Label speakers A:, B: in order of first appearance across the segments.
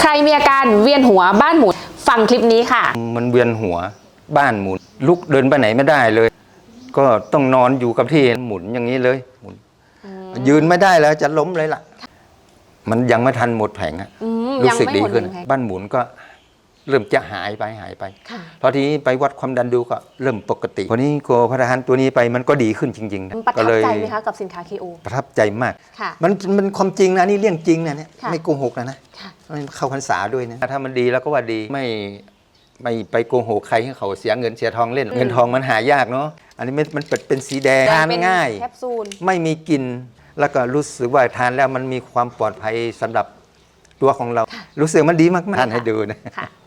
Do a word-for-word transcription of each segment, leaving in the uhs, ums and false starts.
A: ใครมีอาการเวียนหัวบ้านหมุนฟังคลิปนี้ค่ะ
B: มันเวียนหัวบ้านหมุนลุกเดินไปไหนไม่ได้เลยก็ต้องนอนอยู่กับที่หมุนอย่างนี้เลยหมุนยืนไม่ได้แล้วจะล้มเลยล่ะมันยังไม่ทันหมดแผงอะรู้สึกดีขึ้นบ้านหมุนก็เริ่มจะหายไปหายไปพอทีนี้ไปวัดความดันดูก็เริ่มปกติพอนี้โกพระทานตัวนี้ไปมันก็ดีขึ้นจริงๆ
A: ประทับใจไหมคะกับสินค้า เค โอ
B: ประทับใจมากมันมันความจริงนะนี่เรื่องจริงนะเนี่ยไม่โกหกนะนะเข้าพรรษาด้วยนะถ้ามันดีแล้วก็ว่าดีไม่ไม่ไปโกหกใครให้เขาเสียเงินเสียทองเล่นเงินทองมันหายากเนาะอันนี้มันเป็นสีแดงทานง่ายไม่มีกลิ่นแล้วก็รู้สึกว่าทานแล้วมันมีความปลอดภัยสำหรับตัวของเรารู้สึกมันดีมากๆทานให้ดูนะ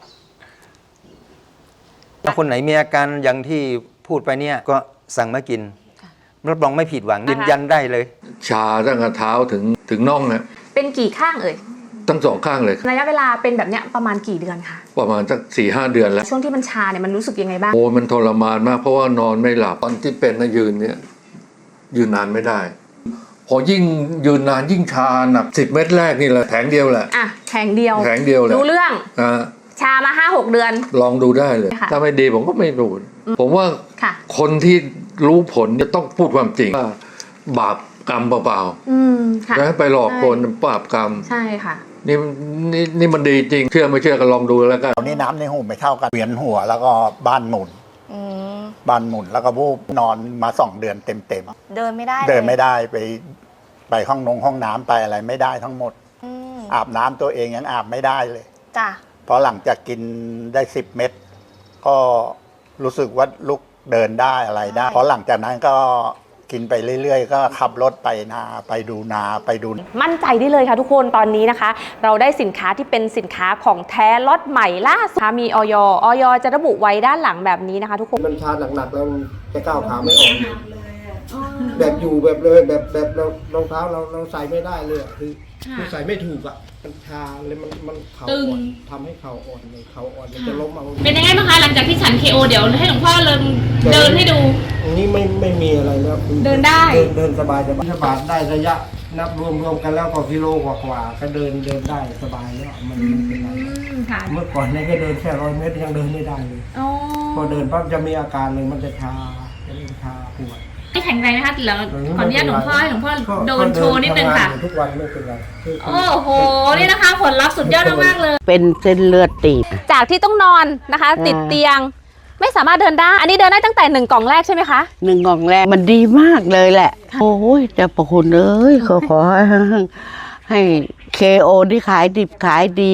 B: ถ้าคนไหนมีอาการอย่างที่พูดไปเนี่ยก็สั่งมากินรับรองไม่ผิดหวังยืนยันได้เลย
C: ชาตั้งแต่เท้าถึงถึงน่องเนี่ย
A: เป็นกี่ข้างเอ่ย
C: ทั้งสองข้างเลย
A: ระยะเวลาเป็นแบบเนี้ยประมาณกี่เดือนคะ
C: ประมาณสักสี่ห้าเดือนแล้ว
A: ช่วงที่มันชาเนี่ยมันรู้สึกยังไงบ้าง
C: โอ้มันทรมานมากเพราะว่านอนไม่หลับตอนที่เป็นนะยืนเนี่ยยืนนานไม่ได้พอยิ่งยืนนานยิ่งชาหนักสิบเม็ดแรกนี่แหละแผงเดียวแหละ
A: อ่ะแผงเดียว
C: แผงเดียวแหละ
A: รู้เรื่อง
C: อ่า
A: ชามาห้าหกเดือน
C: ลองดูได้เลยถ้าไม่ดีผมก็ไม่รู้ผมว่าคนที่รู้ผลจะต้องพูดความจริงว่าบาปกรรมเปล่าๆแล้วไปหลอกคนบาปกรรม
A: ใช่ค่ะ
C: นี่นี่นี่มันดีจริงเชื่อไม่เชื่อก็ลองดูแล้วกัน
D: ตอนนี้น้ำในหูไม่เท่ากันเวียนหัวแล้วก็บ้านหมุนบ้านหมุนแล้วก็วูบนอนมาสองเดือนเต็มเต็ม
E: เดินไม่ได้
D: เดินไม่ได้ไปไปห้องนงห้องน้ำไปอะไรไม่ได้ทั้งหมดอาบน้ำตัวเองยังอาบไม่ได้เลย
E: จ้ะ
D: พอหลังจากกินได้สิบเม็ดก็รู้สึกว่าลุกเดินได้อะไรได้พอหลังจากนั้นก็กินไปเรื่อยๆก็ขับรถไปนาไปดูนาไปดู
A: มั่นใจได้เลยค่ะทุกคนตอนนี้นะคะเราได้สินค้าที่เป็นสินค้าของแท้ล็อตใหม่ล่าสุดมีอย อยจะระบุไว้ด้านหลังแบบนี้นะคะทุกคน
F: มันชาหนักๆแล้วจะก้าวขาไม่ออกแบบอยู่แบบเลยแบบแบบเรารองเท้าเราเราใส่ไม่ได้เลยคือคือใส่ไม่ถูกอ่ะมันชาเลยมันมันเข่าอ่อนทำให้เข่าอ่อนเลยเข่าอ่อนมันจะล้มเอา
A: เป็นยังไงบ้างคะหลังจากที่ฉัน เค โอ เดี๋ยวให้หลวงพ่อเดินเดินให้ดู
F: อันนี้ไม่ไม่มีอะไรแล้ว
A: เดินได้
F: เดินสบายสบายสบายได้ระยะนับรวมรวมกันแล้วก็กิโลกว่าๆก็เดินเดินได้สบายแล้วมันไม่เป็นไรเมื่อก่อนเนี่ยก็เดินแค่ร้อยเมตรยังเดินไม่ได้เลยพอเดินปั๊บจะมีอาการเลยมันจะชาจะเริ่มชาปวด
A: ไม่แข็งแรงนะคะแล้วขออนุญาตหลวงพ่อให้หลวงพ่อโดนโชว์นิดนึงค่ะ
F: ทุกวันไม่เป็นไร
A: โอ้โหนี่นะคะผลลัพธ์สุดยอดมากเลย
G: เป็นเส้นเลือดตีบ
A: จากที่ต้องนอนนะคะติดเตียงไม่สามารถเดินได้อันนี้เดินได้ตั้งแต่หนึ่งกล่องแรกใช่ไหมคะ
G: หนึ่งกล่องแรกมันดีมากเลยแหละโอ้ยจะประคุณเอ้ยขอขอให้ให้เคโอที่ขายดิบขายดี